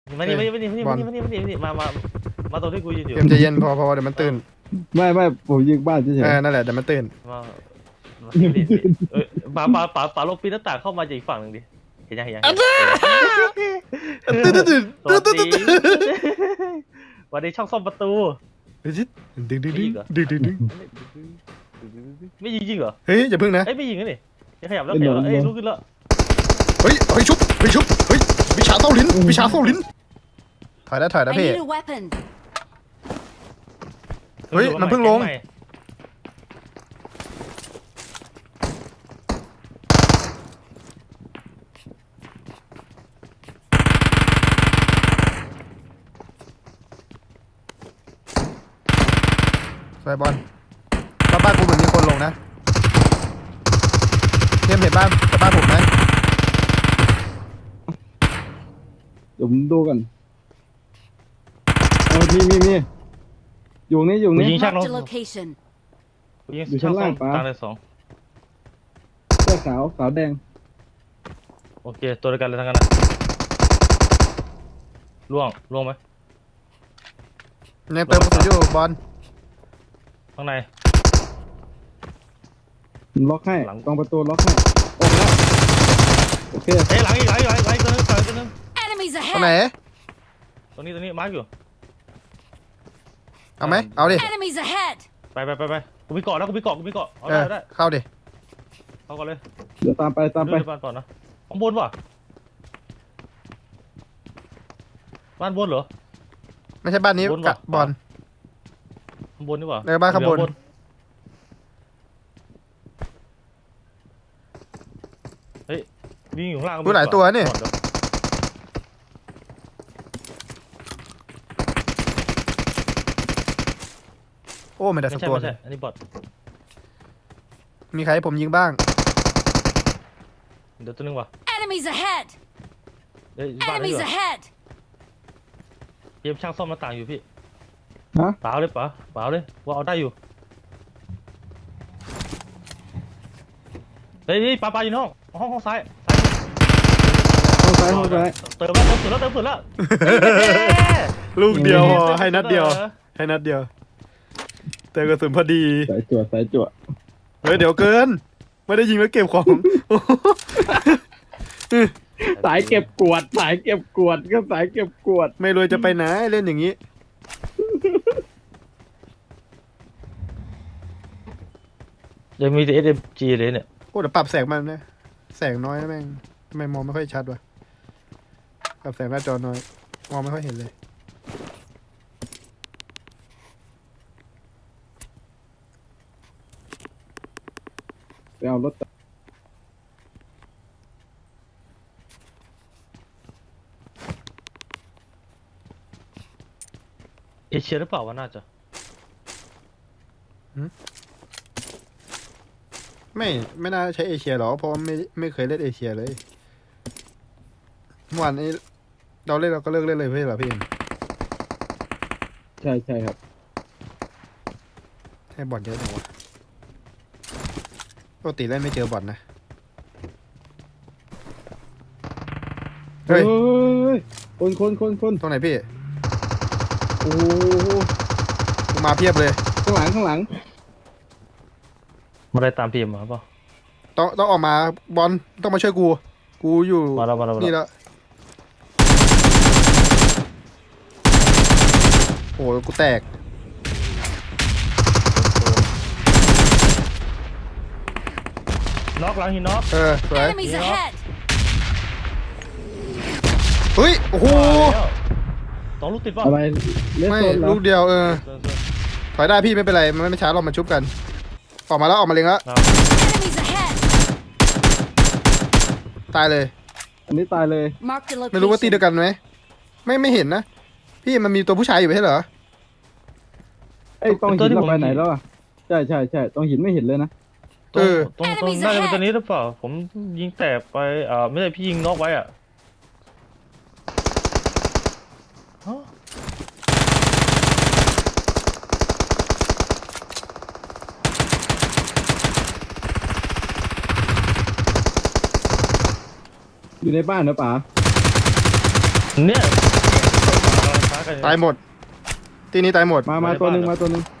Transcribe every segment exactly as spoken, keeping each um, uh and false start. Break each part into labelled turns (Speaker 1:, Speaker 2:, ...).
Speaker 1: มานี่มานี่มานี่มานี่มานี่มานี่มานี่มานี่มามามาตรงที่กูยืนอยู่
Speaker 2: เอ็มใจเย็นพอพอเดี๋ยวมันตื่น
Speaker 3: ไม่ไม่ผมยิงบ้านเฉย
Speaker 2: เออนั่นแหละเดี๋ยวมันตื่น
Speaker 1: มามานี่ดิเอ้ยป๋าป๋าป๋าป๋าลงปีนหน้าต่างเข้ามาจากอีกฝั่งหนึ่งดิเห็นยังเห็นยัง
Speaker 2: ตื่นตื่นตื่น
Speaker 1: สวัส
Speaker 2: ตื่น
Speaker 1: ดี
Speaker 2: ตื่นตื่น
Speaker 1: วันนี้ช่องซ่อมประตู
Speaker 2: ดึงดึงดึงดึงดึงดึงดึง
Speaker 1: ไม่ยิงจริงเหรอ
Speaker 2: เฮ้ยอย่าพึ่งนะ
Speaker 1: เอ้ยไม่ยิงนะนี่ยังขยับแล้วขยับแล้วเอ้ยลุกขึ้นแล้ว
Speaker 2: เฮ้ยเฮ้ยชุบเฮ้ยชุบเฮ้ยวิชาเต้าลิ้นวิชาเต้าลิ้นถอยได้ถอย
Speaker 4: I
Speaker 2: นะพี่
Speaker 4: need a weapon.
Speaker 2: เฮ้ยมันเพิ่งลง สวยบอลบ้านบ้านกูเหมือนมีคนลงนะเทียมเห็นบ้านแต่บ้านผมไหม
Speaker 3: ๆเดี๋ยวผมดูกันเอามีมีมีอยู่นี่อยู่
Speaker 1: กู
Speaker 3: นี่
Speaker 1: ยิงช่างลง
Speaker 4: Marked a location.
Speaker 1: กูยิงช่างซ่อมตางเลยสอง
Speaker 3: เสื้อขาวขาวแดง
Speaker 1: โอเคตัวเดียวกันเลยทั้งนั้นนะล่วงล่วงไหม
Speaker 2: ยังเติมกระสุนอยู่บอล
Speaker 1: ข้างใน
Speaker 3: ผมล็อกให้
Speaker 1: หลัง
Speaker 3: ตรงประตูล็อกให้ออกแล้วโอเค
Speaker 1: เฮ้ยหลังอีกหลังอีกหลังอีกหลังอีกตัวนึงหลังอีกตัวนึง
Speaker 4: Enemies
Speaker 2: ตรงไหน
Speaker 4: ahead.
Speaker 1: ตรงนี้ตรงนี้มาร์กอยู่
Speaker 2: เอาไหมเอาดิ
Speaker 4: Enemies ahead.
Speaker 1: ไปไปไปไปกูมีเกาะแล้วกูมีเกาะกูมีเกาะเอา
Speaker 2: เอ
Speaker 1: ได้
Speaker 2: อ
Speaker 1: เอาได้
Speaker 2: เข้าดิ
Speaker 1: เอาก่อนเลย
Speaker 3: เดี๋ยวตามไปตามไป
Speaker 1: ดูบ้านก่อนนะข้างบนวะบ้านบนเหรอ
Speaker 2: ไม่ใช่บ้านนี้
Speaker 1: บน
Speaker 2: กะ
Speaker 1: วะ
Speaker 2: บอล
Speaker 1: ข้างบนนี่หว่า
Speaker 2: เออบ้านข้างบน
Speaker 1: เฮ้ยวิ่งอยู่ข้างล่างก็มี
Speaker 2: ดูหลายตัวนี่
Speaker 1: ก่อเดี๋ย
Speaker 2: โอ้ไม่ได้สั
Speaker 1: ไม่
Speaker 2: ก
Speaker 1: ใช่
Speaker 2: ตัว
Speaker 1: ไม่
Speaker 2: เล
Speaker 1: ใช่
Speaker 2: ย
Speaker 1: อันนี้บอท
Speaker 2: มีใครให้ผมยิงบ้าง
Speaker 1: เดี๋ยวตัวนึงว่ะ
Speaker 4: Enemies ahead.
Speaker 1: เดี๋ยวบ้านนี้
Speaker 4: Enemies
Speaker 1: ว่ะ
Speaker 4: ahead.
Speaker 1: เกมช่างซ่อมหน้าต่างอยู่พี่
Speaker 3: ฮะ
Speaker 1: เปล่าเลยเปล่าเปล่าเลยว่าเอาได้อยู่เฮ้ยนี่ปลาปลาอยู่ในห้องห้องห้องซ้ายซ้าย
Speaker 3: ห้องซ้ายห้องซ้าย
Speaker 1: เติมแล้วเติมสุดแล้วเติมสุดแล้ว
Speaker 2: ลูกเดียวพอ
Speaker 1: เติม
Speaker 2: ให้นัดเดียว
Speaker 1: หรอ
Speaker 2: ให้นัดเดียวเติมกระสุนพอดี
Speaker 3: สายจวดสายจวด
Speaker 2: เฮ้ยเดี๋ยวเกิน ไม่ได้ยิงแล้วเก็บของ
Speaker 3: สายเก็บกวดสายเก็บกวดก็สายเก็บกวด
Speaker 2: ไม่รวยจะไปไหนเล่นอย่างนี้
Speaker 1: ยังมีแต่ เอส เอ็ม จี เลยเนี่ย
Speaker 2: โอ้เดี๋ยวปรับแสงมันนะแสงน้อยนะแม่งทำไมมองไม่ค่อยชัดวะปรับแสงหน้าจอน้อยมองไม่ค่อยเห็นเลย
Speaker 3: ไปเอารถ
Speaker 1: เอเชียหรือเปล่าวะน่าจะ
Speaker 2: ไม่ไม่น่าใช้เอเชียหรอกเพราะว่าไม่ไม่เคยเล่นเอเชียเลยเมื่อวานนี้เราเล่นเราก็เลิกเล่นเลยเพื่อนเหรอพี่เอ็ม
Speaker 3: ใช่ใช่ครับ
Speaker 2: ให้บอลเยอะจังวะปกติเล่นไม่เจอบอลนะ เฮ้
Speaker 3: เฮ้
Speaker 2: ย
Speaker 3: ยคนคนคนคน
Speaker 2: ตรงไหนพี่
Speaker 3: โอ้โห
Speaker 2: กูมาเพียบเลย
Speaker 3: ข้างหลังข้างหลัง
Speaker 1: มาได้ตามพีเอ็มมาเปล่า
Speaker 2: ต้องต้องออกมาบอลต้องมาช่วยกู กูอยู่
Speaker 1: มาแล้วมาแล้วมาแล้ว
Speaker 2: นี่แล้วโอ้ยกูแตก
Speaker 1: น็อกหลังหินน็อก
Speaker 2: เออสวย
Speaker 4: Enemies ahead.
Speaker 2: เฮ้ยโอ้โห
Speaker 1: สองลูกติดป่ะ
Speaker 3: อะไรเลส
Speaker 2: ไม่
Speaker 3: โซนเหรอ
Speaker 2: ลูกเดียวเออ
Speaker 1: เออเออ
Speaker 2: ถอยได้พี่ไม่เป็นไรมันไม่ช้าเรามาชุบกัน ออกมาแล้วออกมาเล็งแล้ว
Speaker 4: Enemies ahead.
Speaker 2: ตายเลย
Speaker 3: อันนี้ตายเลย
Speaker 4: Marked a
Speaker 2: ไม่รู้ว่าตีเดีย
Speaker 4: location.
Speaker 2: วกันไหมไม่ไม่เห็นนะพี่มันมีตัวผู้ชายอยู่ไม่ใช่เหรอ
Speaker 3: ไอ้ยตรงหินเราไปไหนแล้วอ่ะใช่ใช่ใช่ตรงหินไม่เห็นเลยนะ
Speaker 1: ตรง
Speaker 2: เออ
Speaker 1: ตรงตรง
Speaker 4: Enemies
Speaker 1: น่าจะเป็น
Speaker 4: ahead
Speaker 1: ตัวนี้หรือเปล่าผมยิงแตกไปอ่าไม่ใช่พี่ยิงน็อกไว้อ่ะฮะ
Speaker 3: อยู่ในบ้านนะป๋า
Speaker 1: เนี่ยฟ้ากัน
Speaker 2: ตายหมดทีนี้ตายหมด
Speaker 3: มามาตัวหนึ่งมาตัวหนึ่ง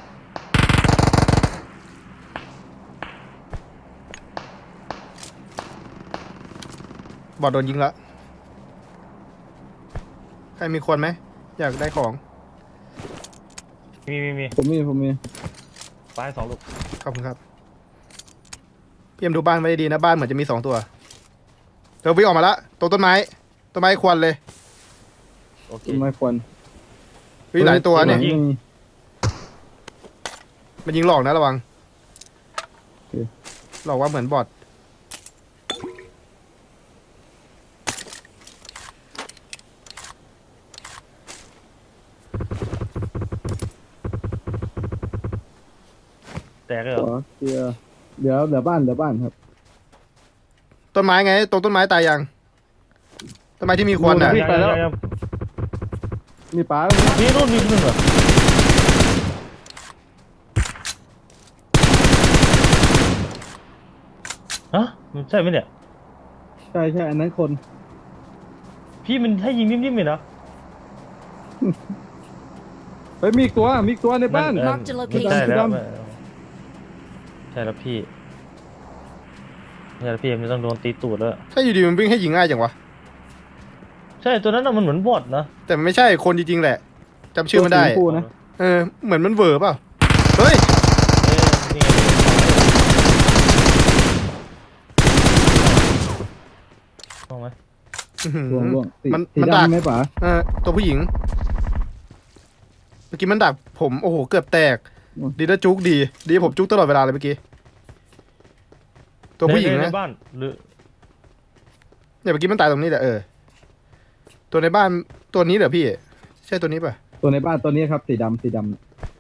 Speaker 2: บอดโดนยิงละใครมีคนไหมอยากได้ของ
Speaker 1: มีมีมี
Speaker 3: ผมมีผมมี
Speaker 1: ฟ้าให้สองลูก
Speaker 2: ขอบคุณครับพี่เอ็มดูบ้านไว้ดีนะบ้านเหมือนจะมีสองตัวเดี๋ยววิ่งออกมาละตรงต้นไม้ต้นไม้ควันเลย
Speaker 1: โอเค
Speaker 3: ต้นไม้ควัน
Speaker 2: วิ่งหลายตัวเนี่ย
Speaker 3: ยิง
Speaker 2: มันยิงหลอกนะระวัง
Speaker 3: โอเค
Speaker 2: หลอกว่าเหมือนบอท
Speaker 1: แตกเลยเหร
Speaker 3: ข
Speaker 1: อ
Speaker 3: อเคลียร์เดี๋ยวเดี๋ยวบ้านเดี๋ยวบ้านครับ
Speaker 2: ต้นไม้ไงตรงต้นไม้ตายยังต้นไม้ที่มีควันอ่ะ
Speaker 3: วิ่งไปแล้ว
Speaker 1: ยังยัง
Speaker 3: มีป๋า
Speaker 1: มีนู่นมีนู่นเหรอฮะมันใช่ไหมเนี่ย
Speaker 3: ใช่ใช่อันนั้นคน
Speaker 1: พี่มันให้ยิงนิ่มๆเลยนะ
Speaker 3: เฮ้ยมีอีกตัวมีอีกตัวในบ้าน
Speaker 1: เออ
Speaker 4: Mark the location
Speaker 1: ใช่แล้ว
Speaker 3: ดำ
Speaker 1: ใช่แล้วพี่ใช่แล้วพี่มันต้องโดนตีตูดแล้ว
Speaker 2: ถ้าอยู่ดีมันวิ่งให้ยิงง่ายจังวะ
Speaker 1: ใช่ตัวนั้นน่ะมันเหมือนบอทนะ
Speaker 2: แต่มันไม่ใช่คนจริงๆแหละจำชื่อมันได้
Speaker 3: ตัวสีชมพูนะ
Speaker 2: เออเหมือนมันเวอร์เปล่าเฮ้ย
Speaker 1: เอ้ยนี่ไงมองไหม
Speaker 2: อื้อหือ
Speaker 3: ล่วงล่วงสี
Speaker 2: มัน
Speaker 3: สี
Speaker 2: มันดัก
Speaker 3: ดำไหมป๋า
Speaker 2: เออตัวผู้หญิงเมื่อกี้มันดักผมโอ้โหเกือบแตกดีนะจุกดีดีผมจุกตลอดเวลาเลยเมื่อกี้ตัวผู้หญิง
Speaker 1: ใน
Speaker 2: นะ
Speaker 1: ในบ้านหรือ
Speaker 2: เนี่ยเมื่อกี้มันตายตรงนี้แหละเออตัวในบ้านตัวนี้เหรอพี่ใช่ตัวนี้ป่ะ
Speaker 3: ตัวในบ้านตัวนี้ครับสีดำสีดำ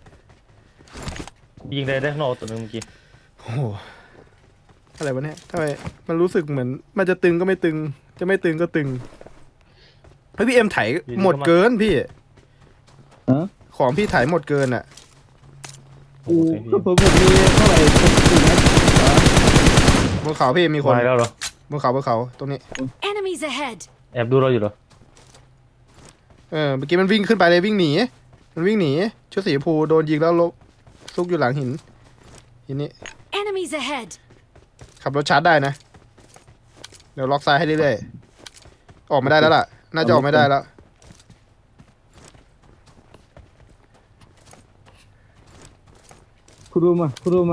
Speaker 1: ยิงได้ได้ข้างนอกตัวนึงเมื่อกี้
Speaker 2: โอ้โหอะไรวะเนี่ยทำไมมันรู้สึกเหมือน มันจะตึงก็ไม่ตึง จะไม่ตึงก็ตึงเฮ้ยพี่เอ็มไถหมดเกินพี่
Speaker 3: ฮะ
Speaker 2: ของพี่ไถหมดเกินอ่ะ
Speaker 1: โอ้
Speaker 3: กู
Speaker 1: โห
Speaker 3: ก็ผมผมมีเท่าไหร่สี่นัด
Speaker 2: บนเขาพี่มีคน
Speaker 1: ตายแล้วเหรอบ
Speaker 2: นเขาบนเขาตรงนี้
Speaker 4: Enemies ahead!
Speaker 1: แอบดูเราอยู่เหรอ
Speaker 2: เออเมื่อกี้มันวิ่งขึ้นไปเลยวิ่งหนีมันวิ่งหนีชุดสีชมพูโดนยิงแล้วลบซุกอยู่หลังหินหินนี้
Speaker 4: Enemies ahead!
Speaker 2: ขับรถชาร์จได้นะ เดี๋ยวล็อกซ้ายให้เรื่อยๆออกไม่ได้แล้วล่ะ น่าจะออกไม่ได้แล้ว
Speaker 3: คุณดูมาคุณดูมา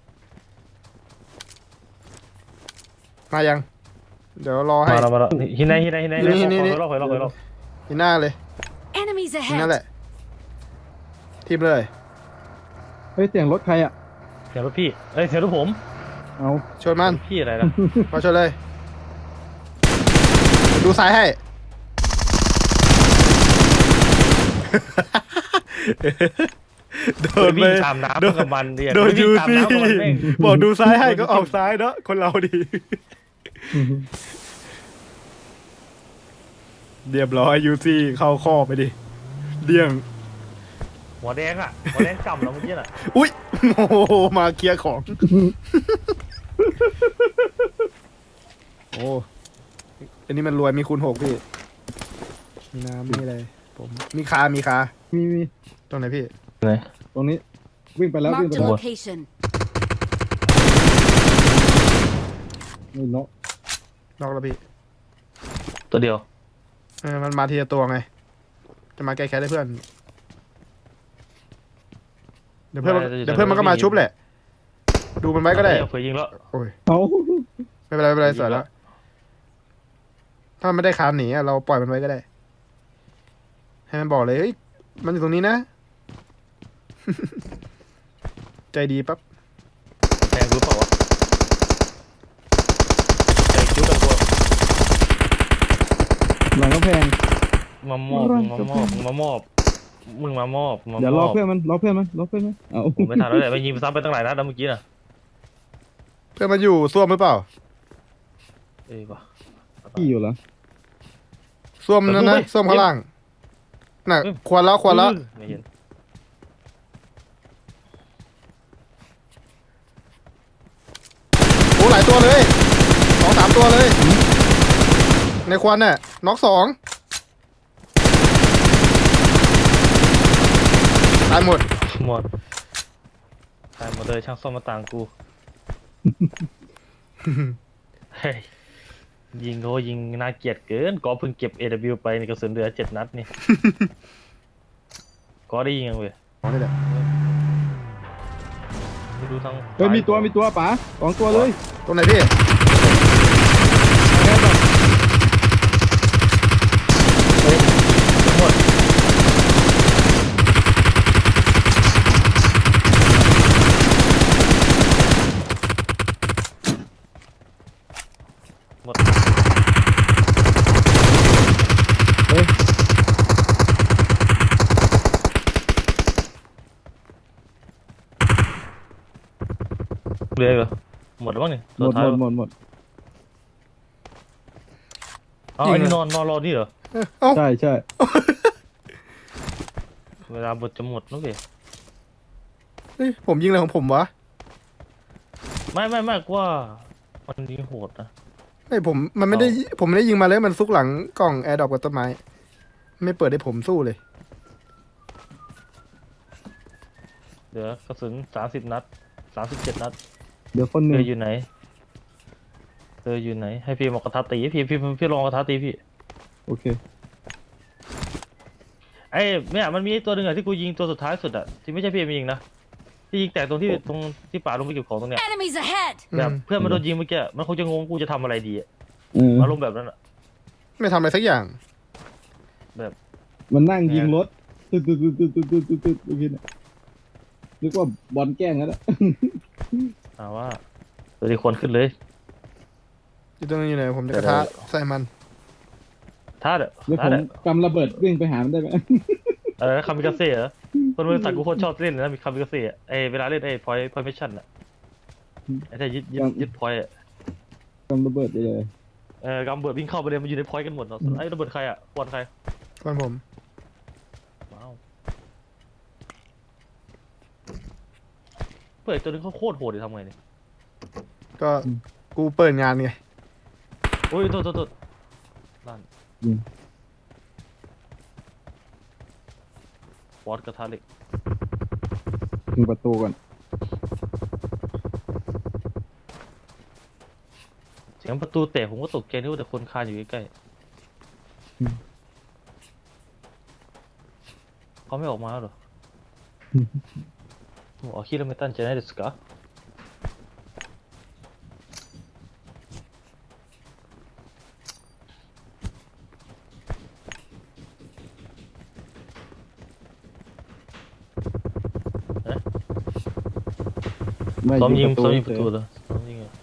Speaker 2: มายัง เดี๋ยวรอให้
Speaker 1: มาแล้วมาแล้วหินไหนหินไหนหินไหน
Speaker 2: นี่นี่นี่
Speaker 1: คอยรอบคอยรอบคอยรอบ
Speaker 2: หินหน้าเลย
Speaker 4: Enemies
Speaker 2: หินนั่นแห
Speaker 4: ahead!
Speaker 2: ละทีมเลย
Speaker 3: เฮ้ยเสียงรถใครอ่ะ
Speaker 1: เสียงรถพี่เอ้ยเสียงรถผม
Speaker 3: เอา
Speaker 2: ชนมัน
Speaker 1: พี่อะไรนะ
Speaker 2: มาชนเลย ดูซ้ายให้ โดน
Speaker 1: วิ่
Speaker 2: ไป
Speaker 1: งตามน้ำ
Speaker 2: โดน
Speaker 1: กับมันเดีย
Speaker 2: โดน
Speaker 1: วิ่
Speaker 2: ยู
Speaker 1: งตาม
Speaker 2: ซี
Speaker 1: น้ำกับมันแม่ง
Speaker 2: บอกดูซ้ายให้ก็ออกซ้ายเนาะคนเราดี เรียบร้อยยูซีเข้าข้อไปดิเดี่ยง
Speaker 1: หัวแดงอ่ะหัวแดงกำเราเมื่อกี้น่ะ
Speaker 2: อุ้ยโอ้โหมาเคลียร์ของ โอ้อันนี้มันรวยมีคูณหกพี่มีน้ำมีอะไรผมมีคา มีคา
Speaker 3: มีมี
Speaker 2: ตรงไหนพี่
Speaker 1: ไหน
Speaker 3: ตรงนี้วิ่งไปแล้ววิ่ง
Speaker 4: Mark
Speaker 3: ไป
Speaker 4: the
Speaker 3: แล้ว
Speaker 4: location.
Speaker 3: นี่เนาะ
Speaker 2: นอกแล้วพี่
Speaker 1: ตัวเดียว
Speaker 2: เออมันมาทีละตัวไง จะมาแก้แค้นให้เพื่อน เดี๋ยวเพื่อนมันเดี๋ยวเพื่อนมันก็มาชุบแหละ ดูมันไว้ก็ได้
Speaker 1: เผื่อยิงแล้ว
Speaker 2: โอ้ย
Speaker 3: เอา
Speaker 2: ไม่เป็นไรไม่เป็นไรสวยแล้ว ถ้ามันไม่ได้คานหนีอะเราปล่อยมันไว้ก็ได้ ให้มันบอกเลยเฮ้ยมันอยู่ตรงนี้นะ ใจดีปั๊บ
Speaker 1: แทงรู้เปล่าวะแทงคิ้วกับตัว
Speaker 3: หลังกำแพง
Speaker 1: มามอบมึงมามอบมึงมามอบมึงมามอบมามอบ
Speaker 3: เดี๋ยวรอเพื่อนมันรอเพื่อนมันรอเพื่อนมันเอา
Speaker 1: ผมไม่ทันแล้วแหละไปยิงซ้ำไปตั้งหลายนัดแล้วเมื่อกี้น่ะ
Speaker 2: เพื่อนมันอยู่ส้วมหรือเปล่า
Speaker 1: เอ้ยว่ะ
Speaker 3: พี่อยู่เหรอ
Speaker 2: ส้วมนั่นนะส้วมข้างล่าง น่ะ ควรแล้วควรแล้ว
Speaker 1: ไม่เห็น
Speaker 2: โอ้หลายตัวเลยสองสามตัวเลย ในควันน่ะน็อกสองตายหมด
Speaker 1: หมดตายหมดเลยช่างซ่อมมาต่างกู เฮ้ยยิงโหยิงน่าเกลียดเกินก็เพิ่งเก็บ เอ ดับเบิลยู ไปในกระสุนเหลือเจ็ดนัดนี่ ก็ได้ยิงยังเว้ย
Speaker 2: อ๋อนี่แหละ
Speaker 1: ไม่ดูทั้ง
Speaker 3: เฮ้ยมีตัวมีตัวป๋าสองตัวเลย
Speaker 2: ตรงไหนพี่
Speaker 1: หมดหมด
Speaker 3: เฮ้ย
Speaker 1: เหลืออีกเหรอหมดแล้วมั้งเนี่ย
Speaker 3: หมดหมดหมดหมด
Speaker 1: อ๋อไอ้นี่นอนนอนรอนี่เหรอ
Speaker 2: เอ้า
Speaker 3: ใช่ใช่
Speaker 1: เวลาบทจะหมดนะเว้ย
Speaker 2: เฮ้ยผมยิงอะไรของผมวะ
Speaker 1: ไม่ไม่ไม่กว่ามันยิงโหดนะ
Speaker 2: ไม่ผมมันไม่ได้ผมไม่ได้ยิงมาเลยมันซุกหลังกล่องแอร์ดรอปกับต้นไม้ไม่เปิดให้ผมสู้เลย
Speaker 1: เหลือกระสุนสามสิบนัดสามสิบเจ็ดนัด
Speaker 3: เดี๋ยวคนห
Speaker 1: เธ
Speaker 3: นึ่ง
Speaker 1: ออยู่ไหนเธออยู่ไหนให้พี่บอกกระทะตีพี่พี่พี่ลองกระทะตีพี่
Speaker 3: โอเค
Speaker 1: ไอ้เนี่ยมันมีไอ้ตัวหนึ่งอะที่กูยิงตัวสุดท้ายสุดอะที่ไม่ใช่พี่เอ็มยิงนะที่ยิงแตกตรงที่ตรงที่ป่าลงไปเก็บของตรงเนี้ย
Speaker 4: Enemies ahead!
Speaker 1: แบบ
Speaker 2: อืม
Speaker 1: เพื่อนมันโดนยิงเมื่อกี้มันคงจะงงกูจะทำอะไรดีอะ
Speaker 3: เออ
Speaker 1: อารมณ์แบบนั้นอะ
Speaker 2: ไม่ทำอะไรสักอย่าง
Speaker 3: มันนั่งยิงรถตึ๊ดตึ๊ดตึ๊ดตึ๊ดตึ๊ดตึ๊ดตึ๊ดตึ๊ดเมื่อกี้เนี่ยนึกว่าบอลแกล้งกันแล้ว
Speaker 1: ถามว่าตัวที่ควรขึ้นเลย
Speaker 2: อยู่ตรงนี้อยู่ไหนผมจะกระทะใส่มัน
Speaker 1: ท่าเด้อ
Speaker 3: แล้วผ
Speaker 1: ท่าม เด้อก
Speaker 3: ำระเบิดวิ่งไปหามันได้ไหม
Speaker 1: เออคามิกาเซ่เหรอคนบริษัทกูโคตรชอบเล่นเลยนะมีคามิกาเซ่อะไอเวลาเล่นไอพอยพอยมิชชั่นอะไอที่ยึดยึดยึดพอยอะ
Speaker 3: กำระเบิดไปเลย
Speaker 1: เออกำเบิดวิ่งเข้าไปเลยมันอยู่ในพอยต์กันหมดเนาะไอ้ระเบิดใครอ่ะควนใคร
Speaker 2: ก่อนผม
Speaker 1: ว้าวเปิดตัวนึงเขาโคตรโหดเลยทำไงเนี่ย
Speaker 2: ก็กูเปิดงานไง
Speaker 1: โอ้ยโทษโทษโทษนั่นวอดกระทะเหล็ก
Speaker 3: ถึงประตูก่อน
Speaker 1: เสียงประตูแตกผมก็ตกใจนึกว่าแต่คนคานอยู่ใกล้ๆเขาไม่ออกมาแล้วเหรออ๋อคิดว่าไม่ตั้งใจได้ですかซ้อมยิงซ้อมยิงประตูเหรอซ้อมยิงเหรอ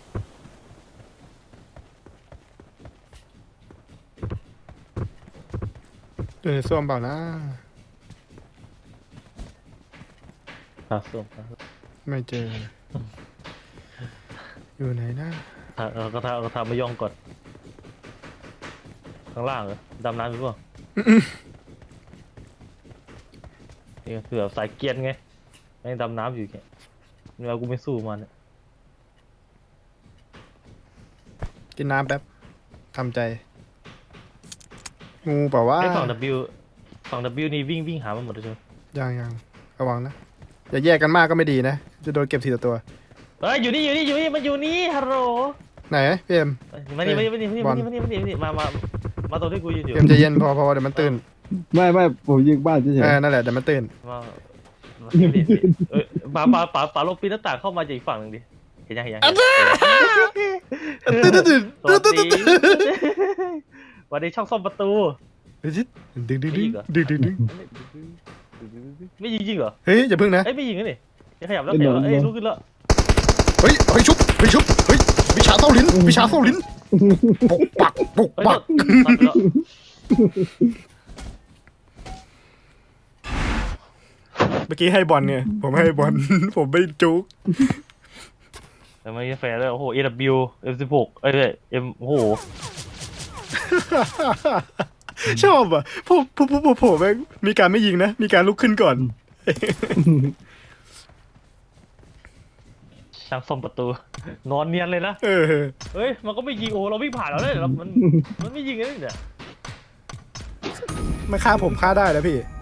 Speaker 2: อยู่ในส้วมเปล่านะ
Speaker 1: หาส้มหาส้ม
Speaker 2: ไม่เจอ อยู่ไหนนะ
Speaker 1: หาเอากระทะเอากระทะมาย่องก่อนข้างล่างเหรอดำน้ำอยู่เปล่านี่ก็คือแบบสายเกรียนไงแม่งดำน้ำอยู่แกเวลากูไม่สู้มันเนี่ย
Speaker 2: กินน้ำแป๊บทำใจ งูเปล่าวะ
Speaker 1: ไอ้ฝั่ง W ฝั่ง W นี่วิ่งวิ่งหามันหมดเลยใช่ไหม
Speaker 2: ยังยังระวังนะอย่าแยกกันมากก็ไม่ดีนะ จะโดนเก็บทีละตัว
Speaker 1: เฮ้ยอยู่นี่อยู่นี่อยู่นี่มันอยู่นี่ฮัลโหล
Speaker 2: ไหนพี่เอ็ม
Speaker 1: เอ้ยมานี่มานี่มานี่มานี่
Speaker 2: บอล
Speaker 1: มานี่มานี่มานี่มามามาตรงที่กูยืนอยู่
Speaker 2: พี่เอ็มใจเย็นพอพอเดี๋ยวมันตื่น
Speaker 3: ไม่ไม่ผมยิงบ้านเฉย
Speaker 2: เออนั่นแหละเดี๋ยวมันตื่น
Speaker 1: มามานี่นี่เอ้ยป๋าป๋าป๋าป๋าลงปีนหน้าต่างเข้ามาจากอีกฝั่งหนึ่งดิเห็นยังเห็นยัง
Speaker 2: ตื่นตื่นตื่น
Speaker 1: สวั
Speaker 2: ตื่
Speaker 1: ส
Speaker 2: นตื่น
Speaker 1: ดี
Speaker 2: ตื่น
Speaker 1: วันนี้ช่องซ่อมประตู
Speaker 2: ดึงดึงดึงดึงดึงดึง
Speaker 1: ไม่ยิงจริงเหรอ
Speaker 2: เฮ้ยอย่าพึ่งนะ
Speaker 1: เอ้ยไม่ยิงนะนี่ยังขยับแล้วขยับแล้วเอ้ยลุกขึ้นแล้ว
Speaker 2: เฮ้ยเฮ้ยชุบเฮ้ยชุบเฮ้ยวิชาเต้าลิ้นวิชาเต้าลิ้นปกปักปก
Speaker 1: เฮ้ย
Speaker 2: ปัก
Speaker 1: ตัดไปแล้ว
Speaker 2: เมื่อกี้ให้บอลเนี่ยผมให้บอล ผมไม่จุก
Speaker 1: แต่ไม่ใช่แฟร์เลยโอ้โห เอ ดับเบิลยู เอ็ม สิบหก เอ้ยเอ็มโอ้โห
Speaker 2: ชอบอ่ะพวกพวกพวกพวกผมแม่งมีการไม่ยิงนะ มีการลุกขึ้นก่อน
Speaker 1: ช่างซ่อมประตู นอนเนียนเลยนะ
Speaker 2: เออ
Speaker 1: เฮ้ยมันก็ไม่ยิงโอ้เราวิ่งผ่านเราเลยเรามันมันไม่ยิงเลยเนี่ย
Speaker 2: มันฆ่าผมฆ่าได้แล้วพี่